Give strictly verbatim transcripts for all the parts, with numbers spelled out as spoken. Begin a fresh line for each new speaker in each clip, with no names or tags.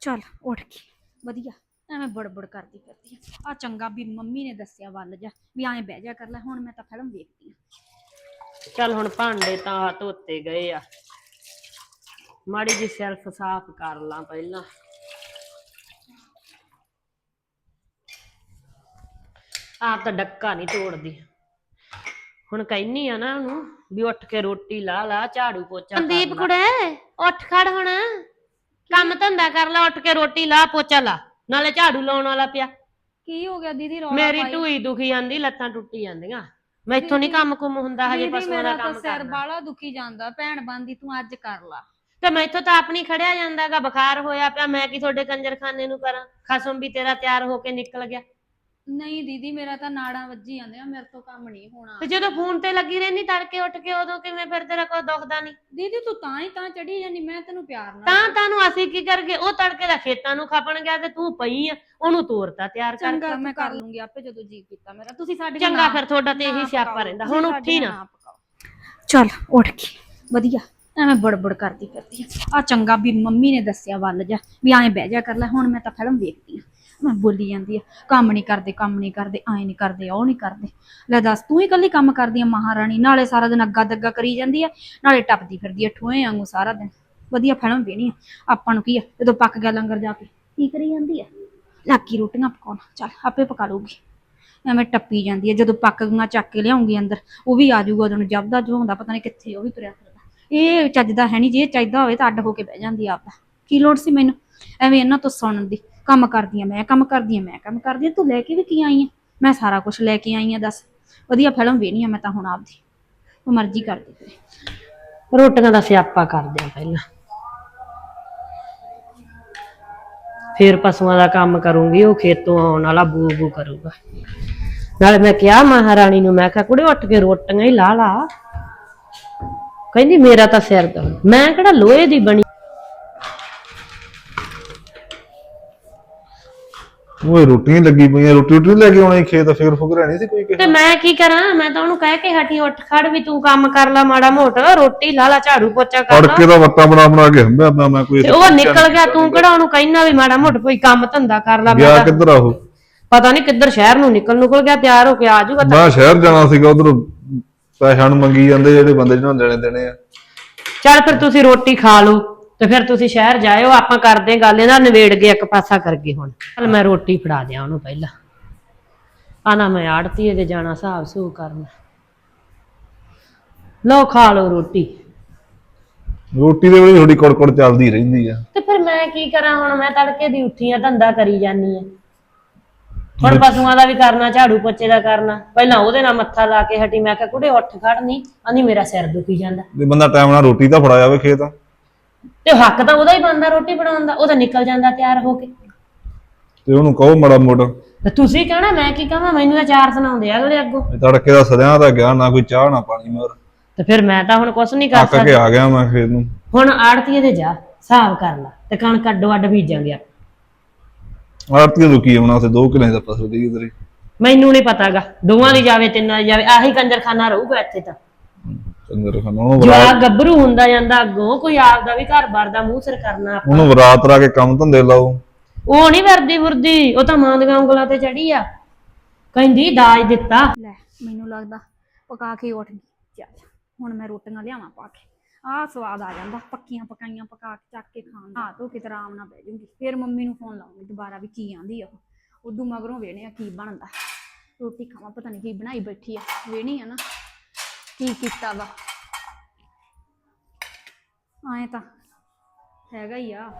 चल उठ के वधिया ਐਵੇਂ ਬੜਬੜ ਕਰਦੀ ਫਿਰਦੀ ਆ ਆ ਚੰਗਾ ਵੀ ਮੰਮੀ ਨੇ ਦੱਸਿਆ ਵੱਲ ਜਾ ਵੀ ਐਂ ਬਹਿ ਜਾ ਕਰ ਲੈ ਹੁਣ ਮੈਂ ਤਾਂ ਫਿਲਮ ਵੇਖਦੀ ਆ
ਚੱਲ ਹੁਣ ਭਾਂਡੇ ਤਾਂ ਧੋਤੇ ਗਏ ਆ ਮਾੜੀ ਜੀ ਸੈਲਫ ਸਾਫ਼ ਕਰ ਲਾਂ ਪਹਿਲਾਂ ਆਪ ਤਾਂ ਡੱਕਾ ਨਹੀਂ ਤੋੜਦੀ ਹੁਣ ਕਹਿਨੀ ਆ ਨਾ ਉਹਨੂੰ ਵੀ ਉੱਠ ਕੇ ਰੋਟੀ ਲਾ ਲਾ ਝਾੜੂ ਪੋਚਾ ਸੰਦੀਪ ਕੁੜੇ ਉੱਠ ਖੜ ਹੁਣ ਕੰਮ ਧੰਦਾ ਕਰ ਲਾ ਉੱਠ ਕੇ ਰੋਟੀ ਲਾ ਪੋਚਾ ਲਾ ਨਾਲੇ ਝਾੜੂ ਲਾਉਣ ਵਾਲਾ ਪਿਆ
ਕੀ ਹੋ ਗਿਆ ਦੀਦੀ ਰੌਲਾ
ਮੇਰੀ ਢੂਈ ਦੁਖੀ ਜਾਂਦੀ ਲੱਤਾਂ ਟੁੱਟੀ ਜਾਂਦੀਆਂ ਮੈਥੋਂ ਨਹੀਂ ਕੰਮ ਕੁਮ ਹੁੰਦਾ ਹਜੇ ਪਸ਼ੂਆਂ ਦਾ ਕੰਮ
ਸਿਰ ਬਾਲਾ ਦੁਖੀ ਜਾਂਦਾ ਭੈਣ ਬੰਦੀ ਤੂੰ ਅੱਜ ਕਰ ਲਾ
ਤੇ ਮੈਥੋਂ ਤਾਂ ਆਪਣੀ ਖੜਿਆ ਜਾਂਦਾਗਾ ਬੁਖਾਰ ਹੋਇਆ ਪਿਆ ਮੈਂ ਕੀ ਤੁਹਾਡੇ ਕੰਜਰਖਾਨੇ ਨੂੰ ਕਰਾਂ ਖਸਮ ਵੀ ਤੇਰਾ ਤਿਆਰ ਹੋ ਕੇ ਨਿਕਲ ਗਿਆ
ਨਹੀਂ ਦੀਦੀ ਮੇਰਾ ਤਾਂ ਨਾੜਾਂ ਵੱਜੀ ਜਾਂਦੇ ਆ ਮੇਰੇ ਤੋਂ ਕੰਮ ਨਹੀਂ ਹੋਣਾ
ਤੇ ਜਦੋਂ ਫੋਨ ਤੇ ਲੱਗੀ ਰਹਿੰਦੀ ਤੜਕੇ ਉੱਠ ਕੇ ਉਦੋਂ ਕਿਵੇਂ ਫਿਰ ਤੇਰਾ ਕੋਈ ਦੁਖਦਾ ਨਹੀਂ
ਦੀਦੀ ਤੂੰ ਤਾਂ ਹੀ ਤਾਂ ਚੜੀ ਜਾਂਦੀ ਮੈਂ ਤੈਨੂੰ ਪਿਆਰ ਨਾਲ
ਤਾਂ ਤੁਹਾਨੂੰ ਅਸੀਂ ਕੀ ਕਰਗੇ ਉਹ ਤੜਕੇ ਦਾ ਖੇਤਾਂ ਨੂੰ ਖਾਪਣ ਗਿਆ ਤੇ ਤੂੰ ਪਈ ਆ ਉਹਨੂੰ ਤੋਰਤਾ ਤਿਆਰ ਕਰ
ਚੰਗਾ ਮੈਂ ਕਰ ਲੂੰਗੀ ਆਪੇ ਜਦੋਂ ਜੀ ਕੀਤਾ ਮੇਰਾ ਤੁਸੀਂ ਸਾਡੇ
ਚੰਗਾ ਫਿਰ ਤੁਹਾਡਾ ਤੇ ਇਹੀ ਸਿਆਪਾ ਰਹਿੰਦਾ ਹੁਣ ਉੱਠੀ ਨਾ
ਚੱਲ ਉੱਠ ਕੇ ਵਧੀਆ ਐਵੇਂ ਬੜਬੜ ਕਰਦੀ ਫਿਰਦੀ ਆ ਆ ਚੰਗਾ ਵੀ ਮੰਮੀ ਨੇ ਦੱਸਿਆ ਵੱਲ ਜਾ ਵੀ ਐਂ ਬਹਿ ਜਾ ਕਰ ਲੈ ਹੁਣ ਮੈਂ ਤਾਂ ਫਿਲਮ ਵੇਖਦੀ ਆ ਮੈਂ ਬੋਲੀ ਜਾਂਦੀ ਆ ਕੰਮ ਨਹੀਂ ਕਰਦੇ ਕੰਮ ਨਹੀਂ ਕਰਦੇ ਐਂ ਨਹੀਂ ਕਰਦੇ ਉਹ ਨਹੀਂ ਕਰਦੇ ਲੈ ਦੱਸ ਤੂੰ ਹੀ ਇਕੱਲੀ ਕੰਮ ਕਰਦੀ ਆ ਮਹਾਰਾਣੀ ਨਾਲੇ ਸਾਰਾ ਦਿਨ ਅੱਗਾ ਦੱਗਾ ਕਰੀ ਜਾਂਦੀ ਆ ਨਾਲੇ ਟੱਪਦੀ ਫਿਰਦੀ ਆ ਠੋਏ ਵਾਂਗੂ ਸਾਰਾ ਦਿਨ ਵਧੀਆ ਫਿਲਮ ਵੇਣੀ ਆ ਆਪਾਂ ਨੂੰ ਕੀ ਆ ਜਦੋਂ ਪੱਕ ਗਿਆ ਲੰਗਰ ਜਾ ਕੇ ਕੀ ਕਰੀ ਜਾਂਦੀ ਆ ਲਾਕੀ ਰੋਟੀਆਂ ਪਕਾਉਣ ਚੱਲ ਆਪੇ ਪਕਾ ਲੂਗੀ ਐਵੇਂ ਟੱਪੀ ਜਾਂਦੀ ਆ ਜਦੋਂ ਪੱਕ ਗਈਆਂ ਚੱਕ ਕੇ ਲਿਆਉਂਗੀ ਅੰਦਰ ਉਹ ਵੀ ਆ ਜਾਊਗਾ ਉਦੋਂ ਜਬਦਾ ਜਵਾਉਂਦਾ ਪਤਾ ਨਹੀਂ ਕਿੱਥੇ ਉਹ ਵੀ ਤੁਰਿਆ ਫਿਰਦਾ ਇਹ ਚੱਜਦਾ ਹੈ ਨਹੀਂ ਜੇ ਚਾਹੀਦਾ ਹੋਵੇ ਤਾਂ ਅੱਡ ਹੋ ਕੇ ਬਹਿ ਜਾਂਦੀ ਆ ਆਪਦਾ ਕੀ ਲੋੜ ਸੀ ਮੈਨੂੰ ਐਵੇਂ ਇਹਨਾਂ ਤੋਂ ਸੁਣਨ ਦੀ ਕੰਮ ਕਰਦੀ ਆ ਮੈਂ ਕੰਮ ਕਰਦੀ ਆ ਮੈਂ ਕੰਮ ਕਰਦੀ ਆ ਤੂੰ ਲੈ ਕੇ ਵੀ ਕੀ ਆਈ ਆ ਮੈਂ ਸਾਰਾ ਕੁਝ ਲੈ ਕੇ ਆਈ ਆ ਦੱਸ ਵਧੀਆ ਫਿਲਮ ਵੇਖਣੀ ਆ ਮੈਂ ਤਾਂ ਹੁਣ ਆਪਦੀ ਉਹ ਮਰਜ਼ੀ ਕਰਦੀ ਫਿਰ
ਰੋਟੀਆਂ ਦਾ ਸਿਆਪਾ ਕਰਦੇ ਆ ਪਹਿਲਾਂ ਫਿਰ ਪਸ਼ੂਆਂ ਦਾ ਕੰਮ ਕਰੂੰਗੀ ਉਹ ਖੇਤੋਂ ਆਉਣ ਵਾਲਾ ਬੂ ਬੂ ਕਰੂਗਾ ਨਾਲੇ ਮੈਂ ਕਿਹਾ ਮਹਾਰਾਣੀ ਨੂੰ ਮੈਂ ਕਿਹਾ ਕੁੜੇ ਉੱਠ ਕੇ ਰੋਟੀਆਂ ਹੀ ਲਾ ਲਾ ਕਹਿੰਦੀ ਮੇਰਾ ਤਾਂ ਸਿਰ ਦਰਦ ਮੈਂ ਕਿਹੜਾ ਲੋਹੇ ਦੀ ਬਣੀ
ਉਹ ਰੋਟੀ ਲੱਗੀ ਪਈ ਰੋਟੀ ਰੋਟੀ ਲੈ ਕੇ ਆਉਣੀ ਖੇਤ ਫੇਰ ਫੁਕ ਰਹਿਣੀ ਸੀ ਕੋਈ
ਤੇ ਮੈਂ ਕੀ ਕਰਾਂ ਮੈਂ ਤਾਂ ਉਹਨੂੰ ਕਹਿ ਕੇ ਹਟੀ ਉੱਠ ਖੜ ਵੀ ਤੂੰ ਕੰਮ ਕਰ ਲੈ ਮਾੜਾ ਮੋਟਾ ਰੋਟੀ ਲਾ ਲਾ ਝਾੜੂ ਪੋਚਾ ਕਰ
ਲਾ ਕੇ ਦਾ ਵੱਟਾ ਬਣਾ ਬਣਾ ਕੇ ਹੰਬਿਆ ਪਿਆ ਮੈਂ ਕੋਈ
ਉਹ ਨਿਕਲ ਗਿਆ ਤੂੰ ਕਿਹੜਾ ਉਹਨੂੰ ਕਹਿਣਾ ਵੀ ਮਾੜਾ ਮੋਟਾ ਕੋਈ ਕੰਮ ਧੰਦਾ ਕਰ ਲੈ
ਗਿਆ ਕਿੱਧਰ ਆ ਉਹ
ਪਤਾ ਨਹੀਂ ਕਿੱਧਰ ਸ਼ਹਿਰ ਨੂੰ ਨਿਕਲ ਨਿਕਲ ਗਿਆ ਤਿਆਰ ਹੋ ਕੇ ਆ ਜਾਊਗਾ
ਮੈਂ ਸ਼ਹਿਰ ਜਾਣਾ ਸੀਗਾ ਉਧਰ ਪੈਸਿਆਂ ਨੂੰ ਮੰਗੀ ਜਾਂਦੇ ਜਿਹੜੇ ਬੰਦੇ ਜਿਹਨਾਂ ਦੇਣੇ ਦੇਣੇ ਆ
ਚੱਲ ਫਿਰ ਤੁਸੀਂ ਰੋਟੀ ਖਾ ਲਓ ਤੇ ਫਿਰ ਤੁਸੀਂ ਸ਼ਹਿਰ ਜਾਇਓ ਆਪਾਂ ਕਰਦੇ ਗੱਲ ਇਹਦਾ ਨਵੇੜ ਕੇ ਇੱਕ ਪਾਸਾ ਕਰਗੇ ਹੁਣ ਚੱਲ ਮੈਂ ਰੋਟੀ ਫੜਾ ਦਿਆਂ ਉਹਨੂੰ ਪਹਿਲਾਂ ਆਣਾ ਮੈਂ ਆੜਤੀ ਇਹਦੇ ਜਾਣਾ ਹਿਸਾਬ ਸੂ ਕਰਨਾ ਲਓ ਖਾ ਲਓ ਰੋਟੀ
ਰੋਟੀ ਦੇ ਵੇਲੇ ਥੋੜੀ ਕੁੜਕੁੜ ਚੱਲਦੀ ਰਹਿੰਦੀ ਆ
ਤੇ ਫਿਰ ਮੈਂ ਕੀ ਕਰਾਂ ਹੁਣ ਮੈਂ ਤੜਕੇ ਦੀ ਉੱਠੀ ਆ ਧੰਦਾ ਕਰੀ ਜਾਨੀ ਆ ਹੁਣ ਪਸ਼ੂਆਂ ਦਾ ਵੀ ਕਰਨਾ ਝਾੜੂ ਪੋਚੇ ਦਾ ਕਰਨਾ ਪਹਿਲਾਂ ਉਹਦੇ ਨਾਲ ਮੱਥਾ ਲਾ ਕੇ ਹਟੀ ਮੈਂ ਕਿਹਾ ਕੁੜੇ ਉੱਠ ਖੜ ਨਹੀਂ ਆਂਦੀ ਮੇਰਾ ਸਿਰ ਦੁਖੀ ਜਾਂਦਾ
ਜੇ ਬੰਦਾ ਟਾਈਮ ਨਾਲ ਰੋਟੀ ਤਾਂ ਫੜਾ ਜਾਵੇ ਖੇਤ
ਤੇ ਹੱਕ ਤਾਂ ਉਹਦਾ ਹੀ ਬਣਦਾ ਰੋਟੀ ਬਣਾਉਣ ਦਾ ਉਹ ਤਾਂ ਨਿਕਲ ਜਾਂਦਾ ਤਿਆਰ ਹੋ ਕੇ
ਤੇ ਉਹਨੂੰ ਕਹੋ ਮਾੜਾ ਮੋਟਾ
ਤੇ ਤੁਸੀਂ ਕਹਿਣਾ ਮੈਂ ਕੀ ਕਹਾਂ ਮੈਨੂੰ ਤਾਂ ਚਾਰ ਸੁਣਾਉਂਦੇ ਆ ਅਗਲੇ ਅੱਗੋਂ
ਤੜਕੇ ਦਾ ਸਦਿਆਂ ਦਾ ਗਿਆ ਨਾ ਕੋਈ ਚਾਹ ਨਾ ਪਾਣੀ ਮਰ
ਤੇ ਫਿਰ ਮੈਂ ਤਾਂ ਹੁਣ ਕੁਛ ਨਹੀਂ ਕਰ
ਸਕਦਾ ਆ ਗਿਆ ਮੈਂ ਖੇਤ ਨੂੰ
ਹੁਣ ਆੜਤੀਏ ਦੇ ਜਾ ਹਿਸਾਬ ਕਰ ਲਾ ਤੇ ਕਣਕ ਅੱਡੋ ਅੱਡ ਬੀਜਾਂਗੇ
ਆੜਤੀਏ ਤੋਂ ਕੀ ਆਉਣਾ ਤੇ ਦੋ ਕਿਲੇ ਦਾ ਫਸਲ ਦੀ ਇਧਰ
ਮੈਨੂੰ ਨਹੀਂ ਪਤਾਗਾ ਦੋਵਾਂ ਦੀ ਜਾਵੇ ਤਿੰਨਾਂ ਦੀ ਜਾਵੇ ਆਹੀ ਕੰਜਰਖਾਨਾ ਰਹੂਗਾ ਇੱਥੇ ਤਾਂ ਜਵਾਕ ਗੱਭਰੂ ਹੁੰਦਾ ਜਾਂਦਾ ਅੱਗੋਂ ਕੋਈ ਆਪਦਾ ਵੀ ਘਰ-ਬਾਰ ਦਾ ਮੂੰਹ ਸਿਰ ਕਰਨਾ ਆਪਾਂ
ਉਹਨੂੰ ਰਾਤ ਰਾ ਕੇ ਕੰਮ ਧੰਦੇ ਲਾਓ
ਉਹ ਨਹੀਂ ਵਰਦੀ ਵਰਦੀ ਉਹ ਤਾਂ ਮਾਂ ਦੀਆਂ ਉਂਗਲਾਂ ਤੇ ਚੜੀ ਆ ਕਹਿੰਦੀ ਦਾਜ ਦਿੱਤਾ
ਲੈ ਮੈਨੂੰ ਲੱਗਦਾ ਪਕਾ ਕੇ ਉੱਠ ਗਈ ਚੱਲ ਹੁਣ ਮੈਂ ਰੋਟੀਆਂ ਲਿਆਵਾਂ ਪਾ ਕੇ ਆਹ ਸਵਾਦ ਆ ਜਾਂਦਾ ਪੱਕੀਆਂ ਪਕਾਈਆਂ ਪਕਾ ਕੇ ਚੱਕ ਕੇ ਖਾਣ ਦਾ ਤੋ ਕਿਤੇ ਆਰਾਮ ਨਾਲ ਬਹਿ ਜੂਗੀ ਫਿਰ ਮੰਮੀ ਨੂੰ ਫੋਨ ਲਾਉਂਗੀ ਦੁਬਾਰਾ ਵੀ ਕੀ ਆਂਦੀ ਆ ਉਹ ਉਦੋਂ ਮਗਰੋਂ ਵੇਣੇ ਆ ਕੀ ਬਣਦਾ ਰੋਟੀ ਖਾਵਾਂ ਪਤਾ ਨਹੀਂ ਕੀ ਬਣਾਈ ਬੈਠੀ ਆ ਵੇਣੀ ਆ ਨਾ ਕੀ ਕੀਤਾ ਵਾ ਆਏ ਤਾਂ ਹੈਗਾ ਹੀ ਆ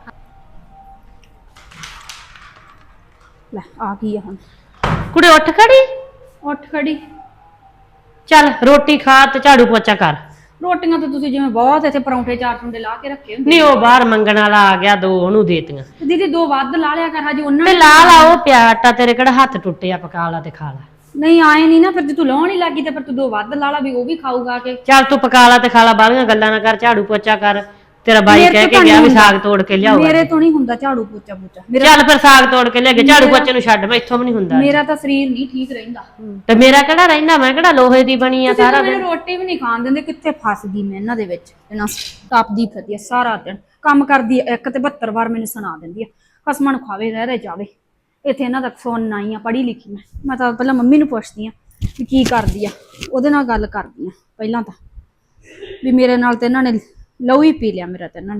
ਲੈ ਆ ਗਈ ਆ ਹੁਣ
ਕੁੜੇ ਉੱਠ ਖੜੀ
ਉੱਠ ਖੜੀ
ਚੱਲ ਰੋਟੀ ਖਾ ਤੇ ਝਾੜੂ ਪੋਚਾ ਕਰ
ਰੋਟੀਆਂ ਤਾਂ ਤੁਸੀਂ ਜਿਵੇਂ ਬਹੁਤ ਇੱਥੇ ਪਰੌਂਠੇ ਚਾਰ ਟੁੰਡੇ ਲਾ ਕੇ ਰੱਖੇ ਹੁੰਦੇ
ਨਹੀਂ ਉਹ ਬਾਹਰ ਮੰਗਣ ਵਾਲਾ ਆ ਗਿਆ ਦੋ ਉਹਨੂੰ ਦੇਤੀਆਂ
ਦੀਦੀ ਦੋ ਵੱਧ ਲਾ ਲਿਆ ਕਰ ਹਜੇ ਉਹਨਾਂ
ਤੇ ਲਾ ਲਾ ਉਹ ਪਿਆ ਆਟਾ ਤੇਰੇ ਕਿਹੜਾ ਹੱਥ ਟੁੱਟਿਆ ਪਕਾ ਲਾ ਤੇ ਖਾ ਲਾ
ਨਹੀਂ ਆਏ ਨਹੀਂ ਨਾ ਫਿਰ ਜੇ ਤੂੰ ਲਾਉਣ ਹੀ ਲੱਗੀ ਤੇ ਫਿਰ ਤੂੰ ਦੋ ਵੱਧ ਲਾ ਲਾ ਵੀ ਉਹ ਵੀ ਖਾਊਗਾ ਕੇ
ਚੱਲ ਤੂੰ ਪਕਾ ਲਾ ਤੇ ਖਾ ਲਾ ਬਾਹਲੀਆਂ ਗੱਲਾਂ ਨਾ ਕਰ ਝਾੜੂ ਪੋਚਾ ਕਰ ਤੇਰਾ ਬਾਈ ਕਹਿ ਕੇ ਗਿਆ ਵੀ ਸਾਗ ਤੋੜ ਕੇ ਲਿਆਓ
ਮੇਰੇ ਤੋਂ ਨਹੀਂ ਹੁੰਦਾ ਝਾੜੂ ਪੋਚਾ ਪੋਚਾ
ਚੱਲ ਫਿਰ ਸਾਗ ਤੋੜ ਕੇ ਲਿਆ ਕੇ ਝਾੜੂ ਪੋਚੇ ਨੂੰ ਛੱਡ ਮੈਂ ਇੱਥੋਂ ਵੀ ਨਹੀਂ ਹੁੰਦਾ
ਮੇਰਾ ਤਾਂ ਸਰੀਰ ਨਹੀਂ ਠੀਕ ਰਹਿੰਦਾ
ਤੇ ਮੇਰਾ ਕਿਹੜਾ ਰਹਿੰਦਾ ਮੈਂ ਕਿਹੜਾ ਲੋਹੇ ਦੀ ਬਣੀ ਆ ਸਾਰਾ ਦਿਨ
ਰੋਟੀ ਵੀ ਨਹੀਂ ਖਾਣ ਦਿੰਦੇ ਕਿੱਥੇ ਫਸ ਗਈ ਮੈਂ ਇਹਨਾਂ ਦੇ ਵਿੱਚ ਇਹਨਾਂ ਤਪਦੀ ਫਿਰਦੀ ਆ ਸਾਰਾ ਦਿਨ ਕੰਮ ਕਰਦੀ ਆ ਇੱਕ ਤੇ ਬਹੱਤਰ ਵਾਰ ਮੈਨੂੰ ਸੁਣਾ ਦਿੰਦੀ ਆ, ਖਸਮਾਂ ਨੂੰ ਖਾਵੇ ਰਹਿ ਰਹਿ ਜਾਵੇ। ਇੱਥੇ ਇਹਨਾਂ ਦਾ ਸੁਣਨਾ ਹੀ ਆ, ਪੜ੍ਹੀ ਲਿਖੀ ਮੈਂ ਮੈਂ ਤਾਂ ਪਹਿਲਾਂ ਮੰਮੀ ਨੂੰ ਪੁੱਛਦੀ ਆ ਵੀ ਕੀ ਕਰਦੀ ਆ, ਉਹਦੇ ਨਾਲ ਗੱਲ ਕਰਦੀ ਆ ਪਹਿਲਾਂ ਤਾਂ, ਵੀ ਮੇਰੇ ਨਾਲ ਤੇ ਇਹਨਾਂ ਨੇ ਲਹੂ ਹੀ ਪੀ ਲਿਆ ਮੇਰਾ ਤੇ ਇਹਨਾਂ ਨੇ।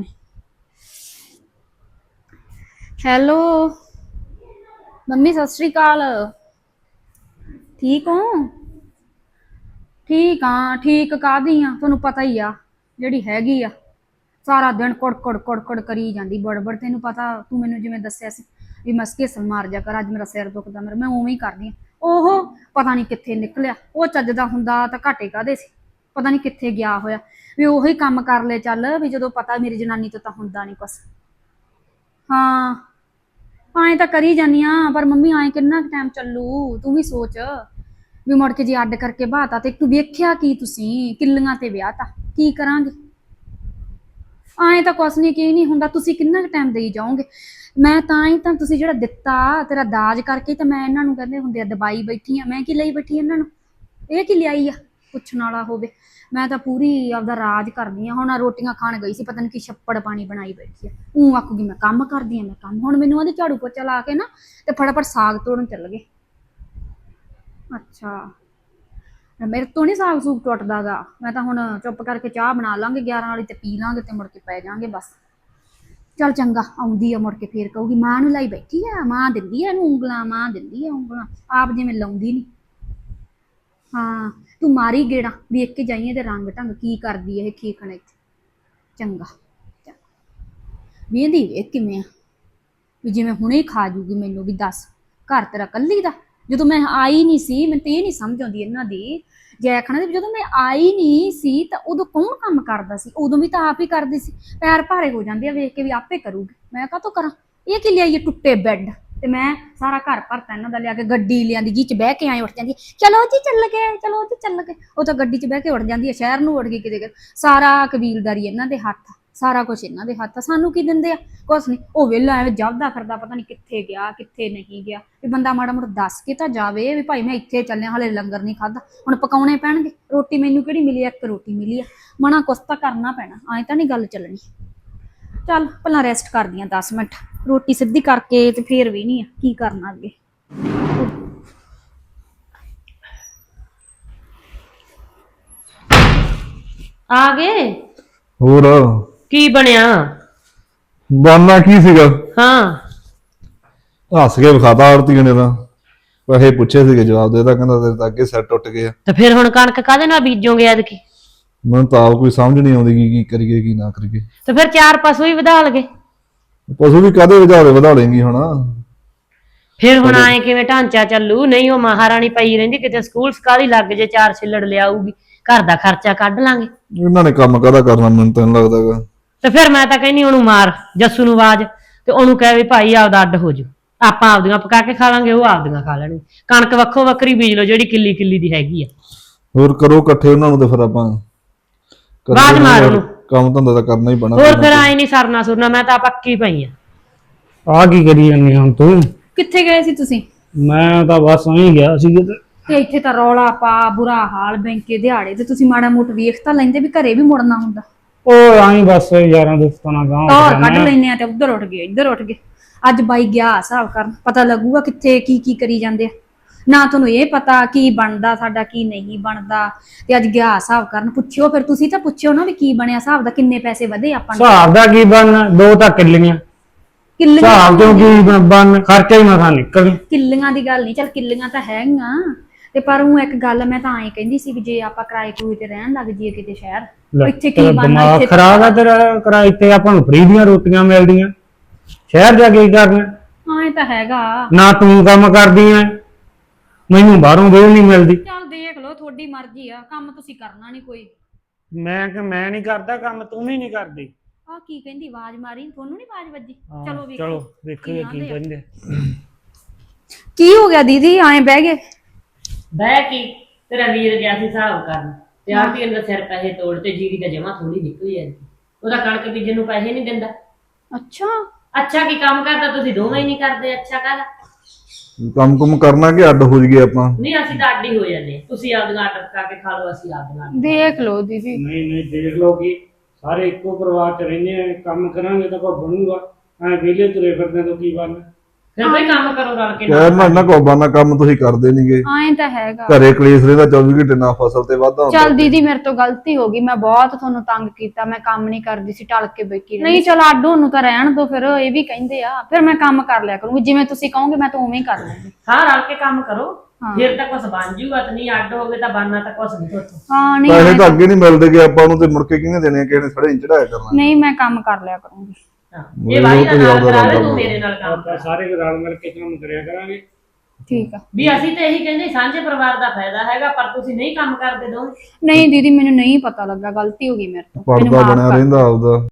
ਹੈਲੋ ਮੰਮੀ, ਸਤਿ ਸ੍ਰੀ ਅਕਾਲ। ਠੀਕ ਹੋ? ਠੀਕ ਆ। ਠੀਕ ਕਾਹਦੀ ਆ, ਤੁਹਾਨੂੰ ਪਤਾ ਹੀ ਆ ਜਿਹੜੀ ਹੈਗੀ ਆ, ਸਾਰਾ ਦਿਨ ਕੁੜ ਕੁੜ ਕੁੜ ਕਰੀ ਜਾਂਦੀ ਬੜਬੜ। ਤੈਨੂੰ ਪਤਾ, ਤੂੰ ਮੈਨੂੰ ਜਿਵੇਂ ਦੱਸਿਆ ਸੀ ਵੀ ਮਸਕੇ ਮਾਰ ਜਾ ਕਰ, ਅੱਜ ਮੇਰਾ ਸਿਰ ਦੁਖਦਾ ਮੇਰਾ, ਮੈਂ ਉਵੇਂ ਹੀ ਕਰਦੀ ਆ। ਉਹ ਪਤਾ ਨਹੀਂ ਕਿੱਥੇ ਨਿਕਲਿਆ, ਉਹ ਚੱਜਦਾ ਹੁੰਦਾ ਤਾਂ ਘਾਟੇ ਕਾਹਦੇ ਸੀ, ਪਤਾ ਨਹੀਂ ਕਿੱਥੇ ਗਿਆ ਹੋਇਆ। ਵੀ ਉਹੀ ਕੰਮ ਕਰ ਲੈ ਚੱਲ, ਵੀ ਜਦੋਂ ਪਤਾ ਮੇਰੀ ਜਨਾਨੀ ਤੋਂ ਤਾਂ ਹੁੰਦਾ ਨਹੀਂ ਕੁਛ। ਹਾਂ ਐਂ ਤਾਂ ਕਰੀ ਜਾਂਦੀ ਆ, ਪਰ ਮੰਮੀ ਐਂ ਕਿੰਨਾ ਟਾਈਮ ਚੱਲੂ, ਤੂੰ ਵੀ ਸੋਚ। ਵੀ ਮੁੜ ਕੇ ਜੇ ਅੱਡ ਕਰਕੇ ਬਾਤਾ ਤੇ ਤੂੰ ਵੇਖਿਆ ਕੀ, ਤੁਸੀਂ ਕਿੱਲੀਆਂ ਤੇ ਵਿਆਹ ਤਾਂ ਕੀ ਕਰਾਂਗੇ। ਐਂ ਤਾਂ ਕੁਛ ਨਹੀਂ, ਕੀ ਨਹੀਂ ਹੁੰਦਾ, ਤੁਸੀਂ ਕਿੰਨਾ ਕੁ ਟਾਈਮ ਦੇਈ ਜਾਓਗੇ। ਮੈਂ ਤਾਂ ਹੀ ਤਾਂ ਤੁਸੀਂ ਜਿਹੜਾ ਦਿੱਤਾ ਤੇਰਾ ਦਾਜ ਕਰਕੇ ਤਾਂ ਮੈਂ ਇਹਨਾਂ ਨੂੰ ਕਹਿੰਦੇ ਹੁੰਦੇ ਆ ਦਬਾਈ ਬੈਠੀ ਆ, ਮੈਂ ਕੀ ਲਈ ਬੈਠੀ ਇਹਨਾਂ ਨੂੰ, ਇਹ ਕੀ ਲਿਆਈ ਆ ਪੁੱਛਣ ਵਾਲਾ ਹੋਵੇ। ਮੈਂ ਤਾਂ ਪੂਰੀ ਆਪਦਾ ਰਾਜ ਕਰਦੀ ਆ। ਹੁਣ ਰੋਟੀਆਂ ਖਾਣ ਗਈ ਸੀ, ਪਤਾ ਨਹੀਂ ਕੀ ਛੱਪੜ ਪਾਣੀ ਬਣਾਈ ਬੈਠੀ ਆ, ਉਹ ਆਖੂਗੀ ਮੈਂ ਕੰਮ ਕਰਦੀ ਆ ਮੈਂ ਕੰਮ। ਹੁਣ ਮੈਨੂੰ ਉਹਦੇ ਝਾੜੂ ਪੋਚਾ ਲਾ ਕੇ ਨਾ ਤੇ ਫਟਾਫਟ ਸਾਗ ਤੋੜਨ ਚੱਲ ਗਏ। ਅੱਛਾ, ਮੇਰੇ ਤੋਂ ਨਹੀਂ ਸਾਗ ਸੂਗ ਟੁੱਟਦਾ ਗਾ। ਮੈਂ ਤਾਂ ਹੁਣ ਚੁੱਪ ਕਰਕੇ ਚਾਹ ਬਣਾ ਲਾਂਗੇ ਗਿਆਰਾਂ ਵਾਲੀ ਤੇ ਪੀ ਲਾਂਗੇ ਤੇ ਮੁੜ ਕੇ ਪੈ ਜਾਾਂਗੇ ਬਸ। ਚੱਲ ਚੰਗਾ, ਆਉਂਦੀ ਆ ਮੁੜ ਕੇ ਫੇਰ ਕਹੂਗੀ ਮਾਂ ਨੂੰ ਲਾਈ ਬੈਠੀ ਆ, ਮਾਂ ਦਿੰਦੀ ਆ ਇਹਨੂੰ ਉਂਗਲਾਂ, ਮਾਂ ਦਿੰਦੀ ਆ ਉਂਗਲਾਂ, ਆਪ ਜਿਵੇਂ ਲਾਉਂਦੀ ਨੀ। ਹਾਂ ਤੂੰ ਮਾਰੀ ਗੇੜਾ, ਵੇਖ ਕੇ ਜਾਈਏ ਤੇ ਰੰਗ ਢੰਗ ਕੀ ਕਰਦੀ ਇਹ ਖੀਖਣ ਇੱਥੇ। ਚੰਗਾ ਵੇਂਦੀ ਵੇਖ ਕਿਵੇਂ ਆ, ਵੀ ਜਿਵੇਂ ਹੁਣੇ ਖਾ ਜੂਗੀ ਮੈਨੂੰ। ਵੀ ਦੱਸ ਘਰ ਤੇਰਾ ਕੱਲੀ ਦਾ, ਜਦੋਂ ਮੈਂ ਆਈ ਨਹੀਂ ਸੀ ਮੈਨੂੰ ਤੇ ਇਹ ਨਹੀਂ ਸਮਝ ਆਉਂਦੀ ਇਹਨਾਂ ਦੀ। ਜੈ ਖਾਣਾ ਦੀ ਜਦੋਂ ਮੈਂ ਆਈ ਨਹੀਂ ਸੀ ਤਾਂ ਉਦੋਂ ਕੌਣ ਕੰਮ ਕਰਦਾ ਸੀ, ਉਦੋਂ ਵੀ ਤਾਂ ਆਪ ਹੀ ਕਰਦੀ ਸੀ। ਪੈਰ ਭਾਰੇ ਹੋ ਜਾਂਦੇ ਆ ਵੇਖ ਕੇ ਵੀ ਆਪੇ ਕਰੂਗੀ, ਮੈਂ ਕਾਹਤੋਂ ਕਰਾਂ। ਇਹ ਕੀ ਲਿਆਈਏ ਟੁੱਟੇ ਬੈੱਡ, ਤੇ ਮੈਂ ਸਾਰਾ ਘਰ ਭਰਤਾ ਇਹਨਾਂ ਦਾ ਲਿਆ ਕੇ। ਗੱਡੀ ਲਿਆਂਦੀ ਜੀ ਚ ਬਹਿ ਕੇ ਆਏ ਉੱਠ ਜਾਂਦੀ, ਚਲੋ ਜੀ ਚੱਲ ਗਏ, ਚਲੋ ਜੀ ਚੱਲ ਗਏ। ਉਹ ਤਾਂ ਗੱਡੀ ਚ ਬਹਿ ਕੇ ਉੱਠ ਜਾਂਦੀ ਹੈ, ਸ਼ਹਿਰ ਨੂੰ ਉੱਠ ਗਈ ਕਿਤੇ। ਸਾਰਾ ਕਬੀਲਦਾਰੀ ਇਹਨਾਂ ਦੇ ਹੱਥ, ਸਾਰਾ ਕੁਛ ਇਹਨਾਂ ਦੇ ਹੱਥ। ਸਾਨੂੰ ਕੀ ਦਿੰਦੇ ਆ, ਕੁਛ ਨਹੀਂ। ਉਹ ਵਿਹਲਾ ਐਵੇਂ ਜਪਦਾ ਫਿਰਦਾ, ਪਤਾ ਨਹੀਂ ਕਿੱਥੇ ਗਿਆ ਕਿੱਥੇ ਨਹੀਂ ਗਿਆ। ਵੀ ਬੰਦਾ ਮਾੜਾ ਮੋਟਾ ਦੱਸ ਕੇ ਤਾਂ ਜਾਵੇ ਵੀ ਭਾਈ ਮੈਂ ਇੱਥੇ ਚੱਲਿਆ, ਹਲੇ ਲੰਗਰ ਨਹੀਂ ਖਾਧਾ, ਹੁਣ ਪਕਾਉਣੇ ਪੈਣਗੇ। ਰੋਟੀ ਮੈਨੂੰ ਕਿਹੜੀ ਮਿਲੀ, ਇੱਕ ਰੋਟੀ ਮਿਲੀ ਆ, ਮਨਾ ਕੁਛ ਤਾਂ ਕਰਨਾ ਪੈਣਾ, ਐਂ ਤਾਂ ਨਹੀਂ ਗੱਲ ਚੱਲਣੀ। ਚੱਲ ਪਹਿਲਾਂ ਰੈਸਟ ਕਰਦੀ ਆ ਦਸ ਮਿੰਟ, ਰੋਟੀ ਸਿੱਧੀ ਕਰਕੇ ਤੇ ਫੇਰ ਵੀ ਨਹੀਂ ਆ ਕੀ ਕਰਨਾ ਅੱਗੇ।
ਆ ਗਏ?
ਹੋਰ
ਕੀ ਬਣਿਆ?
ਬਾਨਾ ਕੀ ਸੀਗਾ?
ਹਾਂ
ਹੱਸ ਕੇ ਵਿਖਾਤਾ ਆਰਤੀ ਨੇ ਤਾਂ, ਪੈਸੇ ਪੁੱਛੇ ਸੀਗੇ ਜਵਾਬ ਦੇਤਾ, ਕਹਿੰਦਾ ਤੇਰੇ ਤਾਂ ਅੱਗੇ ਸਿਰ ਟੁੱਟ ਗਿਆ।
ਤੇ ਫਿਰ ਹੁਣ ਕਣਕ ਕਾਹਦੇ ਨਾਲ ਬੀਜੋਗੇ ਐਤਕੀ?
ਮੈਨੂੰ ਤਾਂ ਆਪ ਕੋਈ ਸਮਝ ਨਹੀਂ ਆਉਂਦੀ ਕੀ ਕੀ ਕਰੀਏ ਕੀ ਨਾ ਕਰੀਏ।
ਤੇ ਫਿਰ ਚਾਰ ਪਸ਼ੂ ਹੀ ਵਧਾ ਲਗੇ।
ਪਸ਼ੂ ਵੀ ਕਾਹਦੇ ਵਧਾੜੇ ਵਧਾ ਲੇਂਗੀ ਹੁਣ।
ਫਿਰ ਹੁਣ ਆਏ ਕਿਵੇਂ ਢਾਂਚਾ ਚੱਲੂ? ਨਹੀਂ ਉਹ ਮਹਾਰਾਣੀ ਪਈ ਰਹਿੰਦੀ, ਕਿਤੇ ਸਕੂਲ ਸਕਾਲੀ ਲੱਗ ਜੇ, ਚਾਰ ਛਿੱਲੜ ਲਿਆਊਗੀ, ਘਰ ਦਾ ਖਰਚਾ ਕੱਢ ਲਾਂਗੇ।
ਇਹਨਾਂ ਨੇ ਕੰਮ ਕਾਹਦਾ ਕਰਨਾ, ਮੈਨੂੰ ਤਾਂ ਨਹੀਂ ਲੱਗਦਾਗਾ।
ਤੇ ਫਿਰ ਮੈਂ ਤਾਂ ਕਹਿੰਦੀ ਉਹਨੂੰ ਮਾਰ ਜੱਸੂ ਨੂੰ ਆਵਾਜ਼, ਤੇ ਉਹਨੂੰ ਕਹਿ ਵੀ ਭਾਈ ਆਪਦਾ ਅੱਡ ਹੋ ਜੂ, ਆਪਾਂ ਆਪਦੀਆਂ ਪਕਾ ਕੇ ਖਾ ਲਾਂਗੇ, ਉਹ ਆਪਦੀਆਂ ਖਾ ਲੈਣਗੇ। ਕਣਕ ਵੱਖੋ ਵੱਖਰੀ ਬੀਜ ਲਓ ਜਿਹੜੀ ਕਿੱਲੀ ਕਿੱਲੀ ਦੀ ਹੈਗੀ ਆ।
ਹੋਰ ਕਰੋ ਇਕੱਠੇ ਉਹਨਾਂ ਨੂੰ, ਤੇ ਫਿਰ ਆਪਾਂ
ਆਵਾਜ਼ ਮਾਰ ਉਹਨੂੰ,
ਕੰਮ ਧੰਦਾ ਤਾਂ ਕਰਨਾ ਹੀ ਪੈਣਾ।
ਹੋਰ ਫਿਰ ਆਏ ਨਹੀਂ ਸਰਨਾ ਸੁਰਨਾ, ਮੈਂ ਤਾਂ ਪੱਕੀ ਪਈ ਆ।
ਆ ਕੀ ਕਰੀ ਜਾਂਦੀ ਹੁਣ ਤੂੰ?
ਕਿੱਥੇ ਗਏ ਸੀ ਤੁਸੀਂ?
ਮੈਂ ਤਾਂ ਬਸ ਐਂ ਗਿਆ ਸੀ ਕਿਤੇ।
ਤੇ ਇੱਥੇ ਤਾਂ ਰੌਲਾ ਪਾ ਬੁਰਾ ਹਾਲ, ਬੈਂਕੇ ਦਿਹਾੜੇ ਤੇ ਤੁਸੀਂ ਮਾੜਾ ਮੋਟ ਵੇਖ ਤਾਂ ਲੈਂਦੇ ਵੀ ਘਰੇ ਵੀ ਮੁੜਨਾ ਹੁੰਦਾ।
ਉਹ ਆਈ ਬਸ ਯਾਰਾਂ ਦੋਸਤਾਂ ਨਾਲ ਗਾਂਹ
ਟੌਰ ਕੱਢ ਲੈਨੇ ਆ ਤੇ ਉੱਧਰ ਉੱਠ ਗਏ ਇੱਧਰ ਉੱਠ ਗਏ। ਅੱਜ ਬਾਈ ਗਿਆ ਹਿਸਾਬ ਕਰਨ, ਪਤਾ ਲੱਗੂਗਾ ਕਿੱਥੇ ਕੀ ਕੀ ਕਰੀ ਜਾਂਦੇ ਆ। ਨਾ ਤੁਹਾਨੂੰ ਇਹ ਪਤਾ ਕੀ ਬਣਦਾ ਸਾਡਾ ਕੀ ਨਹੀਂ ਬਣਦਾ, ਤੇ ਅੱਜ ਗਿਆ ਹਿਸਾਬ ਕਰਨ। ਪੁੱਛਿਓ ਫਿਰ, ਤੁਸੀਂ ਤਾਂ ਪੁੱਛਿਓ ਨਾ ਵੀ ਕੀ ਬਣਿਆ ਹਿਸਾਬ ਦਾ, ਕਿੰਨੇ ਪੈਸੇ ਵਧੇ ਆਪਾਂ ਨੂੰ।
ਹਿਸਾਬ ਦਾ ਕੀ ਬਣਨਾ, ਦੋ ਤਾਂ ਕਿੱਲੀਆਂ।
ਕਿੱਲੀਆਂ
ਹਿਸਾਬ ਤੋਂ ਕੀ ਬਣ, ਖਰਚਾ ਹੀ ਮਸਾਂ ਨਿਕਲ।
ਕਿੱਲੀਆਂ ਦੀ ਗੱਲ ਨਹੀਂ, ਚੱਲ ਕਿੱਲੀਆਂ ਤਾਂ ਹੈਗੀਆਂ, ਤੇ ਪਰ ਉਹ ਇੱਕ ਗੱਲ ਮੈਂ ਤਾਂ ਐਂ ਕਹਿੰਦੀ ਸੀ ਵੀ ਜੇ ਆਪਾਂ ਕਿਰਾਏ ਕਰੂਏ ਤੇ ਰਹਿਣ ਲੱਗ ਜਾਈਏ ਕਿਤੇ ਸ਼ਹਿਰ, ਇੱਥੇ ਕੀ ਬਣਨਾ।
ਦਿਮਾਗ
ਇੱਥੇ
ਖਰਾਬ ਆ ਤੇਰਾ, ਕਿਰਾਏ ਤੇ ਆਪਾਂ ਨੂੰ ਫ੍ਰੀ ਦੀਆਂ ਰੋਟੀਆਂ ਮਿਲਦੀਆਂ, ਸ਼ਹਿਰ ਜਾ ਕੇ ਕੀ ਕਰਨਾ?
ਹਾਂ ਇਹ ਤਾਂ ਹੈਗਾ।
ਨਾ ਤੂੰ ਕੰਮ ਕਰਦੀ ਐ, ਮੈਨੂੰ ਬਾਹਰੋਂ ਵੇਲ ਨਹੀਂ ਮਿਲਦੀ।
ਚੱਲ ਦੇਖ ਲਓ, ਤੁਹਾਡੀ ਮਰਜ਼ੀ ਆ, ਕੰਮ ਤੁਸੀਂ ਕਰਨਾ ਨਹੀਂ ਕੋਈ।
ਮੈਂ ਕਿ ਮੈਂ ਨਹੀਂ ਕਰਦਾ ਕੰਮ, ਤੂੰ ਵੀ ਨਹੀਂ ਕਰਦੀ।
ਆ ਕੀ ਕਹਿੰਦੀ, ਆਵਾਜ਼ ਮਾਰੀ, ਤੁਹਾਨੂੰ ਨਹੀਂ ਆਵਾਜ਼ ਵੱਜੀ? ਚਲੋ ਵੇਖੋ,
ਚਲੋ ਵੇਖੀਏ ਕੀ ਕਹਿੰਦੇ।
ਕੀ ਹੋ ਗਿਆ ਦੀਦੀ, ਐਂ ਬਹਿ ਗਏ?
ਬਹਿ ਕੀ, ਤੇਰਾ ਵੀਰ ਗਿਆ ਸੀ ਹਿਸਾਬ ਕਰਨ, ਤੇ ਆਰਤੀ ਅੰਦਰ ਸਿਰ ਪੈਸੇ ਤੋੜ ਤੇ ਜੀਰੀ ਦਾ ਜਮਾ ਥੋੜੀ ਨਿਕਲੀ ਜਾਂਦੀ, ਉਹਦਾ ਕਣਕ ਬੀਜਣ ਨੂੰ ਪੈਸੇ ਨਹੀਂ ਦਿੰਦਾ।
ਅੱਛਾ
ਅੱਛਾ ਕੀ ਕੰਮ ਕਰਦਾ, ਤੁਸੀਂ ਦੋਵੇਂ ਹੀ ਨਹੀਂ ਕਰਦੇ। ਅੱਛਾ ਕਰ
ਕੰਮ ਕੁਮ ਕਰਨਾ ਕਿ ਅੱਡ ਹੋ ਜੀਏ ਆਪਾਂ?
ਨਹੀਂ ਅਸੀਂ ਤਾਂ ਅੱਡ ਹੀ ਹੋ ਜਾਂਦੇ, ਤੁਸੀਂ ਆਪਦੀਆਂ ਆਰਡਰ ਕਰਕੇ ਖਾ ਲਓ, ਅਸੀਂ ਆਪਦੀਆਂ।
ਦੇਖ ਲਓ ਦੀਦੀ।
ਨਹੀਂ ਨਹੀਂ ਦੇਖ ਲਓ ਕੀ ਸਾਰੇ ਇੱਕੋ ਪਰਿਵਾਰ ਚ ਰਹਿੰਦੇ ਆ, ਕੰਮ ਕਰਾਂਗੇ ਤਾਂ ਕੋਈ ਬਣੂਗਾ। ਐ ਵਿਹਲੇ ਤੁਰੇ ਫਿਰਦੇ ਤੋਂ ਕੀ ਬਣਨਾ।
ਫਿਰ ਬਈ ਕੰਮ ਕਰੋ ਰਲ ਕੇ
ਕਹਿ ਨਾ ਨਾ ਕੋ ਬਾਨਾ ਕੰਮ ਤੁਸੀਂ ਕਰਦੇ ਨਹੀਂਗੇ।
ਐਂ ਤਾਂ ਹੈਗਾ।
ਘਰੇ ਕਲੇਸ਼ ਰਹਿੰਦਾ ਚੌਵੀ ਘੰਟੇ ਨਾ ਫਸਲ ਤੇ ਵਾਧਾ ਹੁੰਦਾ।
ਚੱਲ ਦੀਦੀ ਮੇਰੇ ਤੋਂ ਗਲਤੀ ਹੋ ਗਈ, ਮੈਂ ਬਹੁਤ ਤੁਹਾਨੂੰ ਤੰਗ ਕੀਤਾ, ਮੈਂ ਕੰਮ ਨਹੀਂ ਕਰਦੀ ਸੀ, ਟਲ ਕੇ ਬੈਠੀ ਨਹੀਂ। ਚਲ ਆਡੋ ਨੂੰ ਤਾਂ ਰਹਿਣ ਦੋ, ਫਿਰ ਇਹ ਵੀ ਕਹਿੰਦੇ ਆ, ਫਿਰ ਮੈਂ ਕੰਮ ਕਰ ਲਿਆ ਕਰੂੰਗੀ ਜਿਵੇਂ ਤੁਸੀਂ ਕਹੋਗੇ, ਮੈਂ ਤਾਂ ਉਵੇਂ ਹੀ ਕਰ ਲੂੰਗੀ।
ਹਾਂ ਰਲ ਕੇ ਕੰਮ ਕਰੋ, ਫਿਰ ਤਾਂ ਕੁਝ ਬਣ ਜੂਗਾ, ਤੇ ਨਹੀਂ ਅੱਡ ਹੋਵੇ ਤਾਂ ਬਣਨਾ ਤਾਂ ਕੁਝ ਨਹੀਂ ਤੁਹਾਤੋਂ।
ਹਾਂ ਨਹੀਂ
ਪੈਸੇ ਤਾਂ ਅੱਗੇ ਨਹੀਂ ਮਿਲਦੇ ਕਿ ਆਪਾਂ ਨੂੰ, ਤੇ ਮੁੜ ਕੇ ਕਿਹਨੇ ਦੇਣੇ, ਕਿਸੇ ਨੇ ਸੜੇ ਨਹੀਂ ਚੜਾਇਆ ਕਰਨਾ।
ਨਹੀਂ ਮੈਂ ਕੰਮ ਕਰ ਲਿਆ ਕਰੂੰਗੀ।
ਇਹ ਵਾਰੀ ਦਾ ਨਾਲ ਕਰਾ ਲੈ, ਤੂੰ ਮੇਰੇ ਨਾਲ ਕੰਮ
ਆਪਾਂ ਸਾਰੇ ਰਲ ਮਿਲ ਕੇ ਕੰਮ ਕਰਿਆ ਕਰਾਂਗੇ।
ਠੀਕ ਆ।
ਵੀ ਅਸੀਂ ਤੇ ਇਹੀ ਕਹਿੰਦੇ ਸਾਂਝੇ ਪਰਿਵਾਰ ਦਾ ਫਾਇਦਾ ਹੈਗਾ, ਪਰ ਤੁਸੀਂ ਨਹੀਂ ਕੰਮ ਕਰਦੇ ਦੋਵੇਂ।
ਨਹੀਂ ਦੀਦੀ ਮੈਨੂੰ ਨਹੀਂ ਪਤਾ ਲੱਗਾ, ਗਲਤੀ ਹੋ ਗਈ ਮੇਰੇ ਤੋਂ।
ਪੜਦਾ ਬਣਿਆ ਰਹਿੰਦਾ ਆਪਦਾ।